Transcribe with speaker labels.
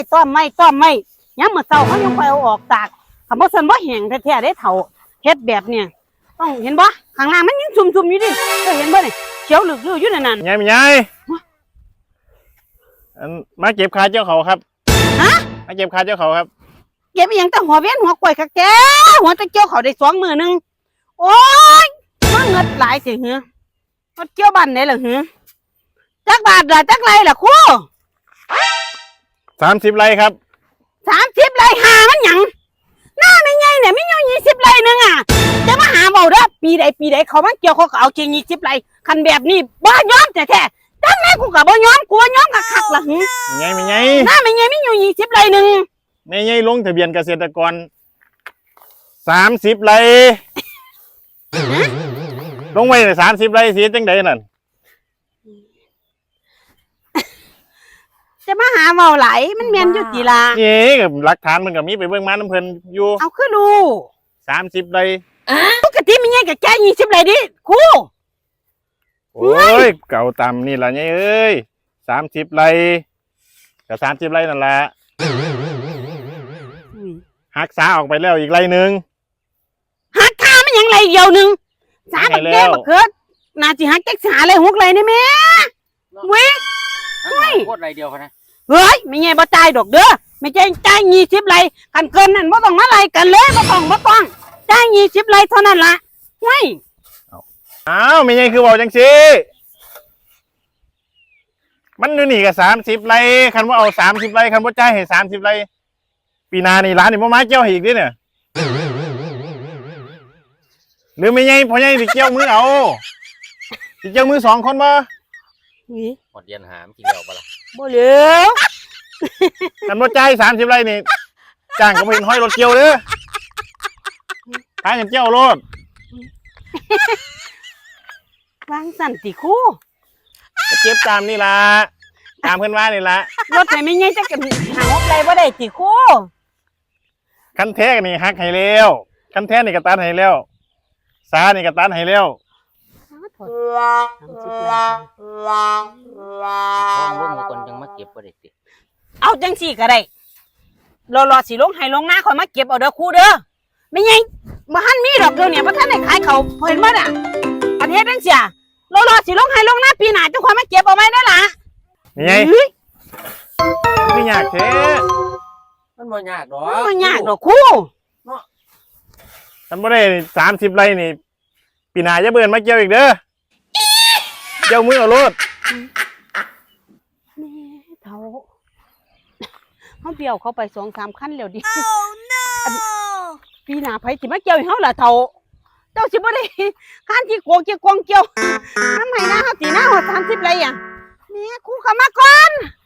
Speaker 1: ต้อมไม่ย้ำเมื่อเช้าเขายังไปเอาออกตากคำว่าสันว่าแห้งแท้ๆได้เถ่าเฮ็ดแบบเนี่ยต้องเห็นบ่ข้างล่างมันยังซุ่มๆอยู่ดิเห็นบ่เนี่ยเขียวเหลืองอยู่นั่น
Speaker 2: ยายมาเก็บขาเจ้าเขาครับ
Speaker 1: ฮะ
Speaker 2: มาเก็บขาเจ้าเขาครับ
Speaker 1: เก็บอย่างแต่หัวเว้นหัวกล้วยคักแกหัวตะเกียวเขาได้2 มื้อนึงโอ้ยมันเงิดหลายสิหือมันเกี่ยวบ้านไหนล่ะหือจักบาทล่ะจักไรล่ะครู
Speaker 2: 30 ไร่ครับ
Speaker 1: 30 ไร่หามันหยังหน้าไม่ไงเนี่ยไม่อยู่20 ไร่นึงอ่ะจะมาหาเบาเด้อปีใดเขามาเกี่ยวเขาก็เอาจริง20 ไร่คันแบบนี้บ่ยอมแท้ๆจังไงกูก็บ่ยอมกูบ่ยอมคักๆล่ะหือ
Speaker 2: ไม่ไง
Speaker 1: หน้าไม่ไงไม่อยู่20 ไร่นึง
Speaker 2: ไม่ไงลงทะเบียนเกษตรกร30 ไร่ลงไว้30 ไร่สิจังไดนั่น
Speaker 1: จะมาหาเบาไหลมันแม่นอยู่ติล่ะ
Speaker 2: นี่กับหลักฐานมันก็มีไปเบิ่งมาน้ำเพิ่นอยู่
Speaker 1: เอาคือรู้
Speaker 2: 30 ไร่
Speaker 1: ปกติไม่ไงก็แค่20 ไร่ดิครู
Speaker 2: โอ้ยเก่าต่ำนี่ล่ะเนี่ยเอ้ย30 ไร่ก็30 ไร่นั่นแหละหักษาออกไปแล้วอีกไร่นึง
Speaker 1: หักค่ามันยังไรเดียวนึง3 บักแดงบักเกิดน่าสิหักจักษาเลย6 ไร่นี่แม่เว้ย
Speaker 3: โคตรไรเดียวเขานะ
Speaker 1: เฮ้ยไม่ไงบ่จ่ายดอกเด้อไม่ใช่จ่าย20 ไร่กันเกินนั่นบ่ต้องมาไล่กันเลยบ่ต้องจ่าย20 ไร่เท่านั้นล่ะเฮ้ย
Speaker 2: อ้าวไม่ไงคือบอกจังซี่มันอยู่นี่ก็30 ไร่คันว่าเอา30 ไร่คันว่าจ่ายให้30 ไร่ปีหน้านี่ร้านนี่บ่มาเกี่ยวให้อีกดิเนี่ยหรือไม่ไงพ่อใหญ่สิเกี่ยวมือเอาสิเกี่ยวมือ2 คนบ่
Speaker 3: หมดเย็นหามกินเดียวปะล่ะ
Speaker 1: บ่เหลือ
Speaker 2: คันว่าจ่าย30 ไร่นี่จ้างก็บ่เห็นห้อยรถเกี่ยวเด้อทางกันเกี่ยวรถ
Speaker 1: วางสั่นติครู
Speaker 2: จะเก็บตามนี่ล่ะตามเพิ่นว่านี่ล่ะ
Speaker 1: รถไม่ไงจักกันหา6 ไร่บ่ได้ติครู
Speaker 2: คันแท้นี่หักให้แล้วคันแท้นี่ก็ตัดให้แล้วสานี่ก็ตัดให้แล้ว
Speaker 3: ห้องร่วมคนยังมาเก็บประเด็ด
Speaker 1: เอาจังสี่ก็ได้รอสิลงให้ลงหน้าคอยมาเก็บเอาเด้อครูเด้อไม่ไงบ่ทันมีดอกเดียวเนี่ยบ่ทันได้ขายเขาเห็นบ่น่ะประเทศจังซี่รอสิลงให้ลงหน้าปีหน้าเจ้าคอยมาเก็บเอาไว้ได้ล่ะ
Speaker 2: นี่ไงไม่ยากแท้
Speaker 3: มันบ่ยากดอก
Speaker 1: มันยากดอกครู
Speaker 2: ฉันบ่ได้30 ไร่นี่ปีหน้าจะเบิ่นมาเกี่ยวอีกเด้อเกี่ยวมือเอารถ
Speaker 1: แม่เฒ่าเฮาเบี้ยวเขาไป2-3 คันแล้วดิปีหน้าไผสิมาเกี่ยวให้เฮาล่ะเฒ่าเจ้าสิบ่ได้คันที่โกงเกี่ยวน้ำให้หน้าเฮาสิหน้าฮอด30 ไร่อ่ะแม่ครูเข้ามาก่อน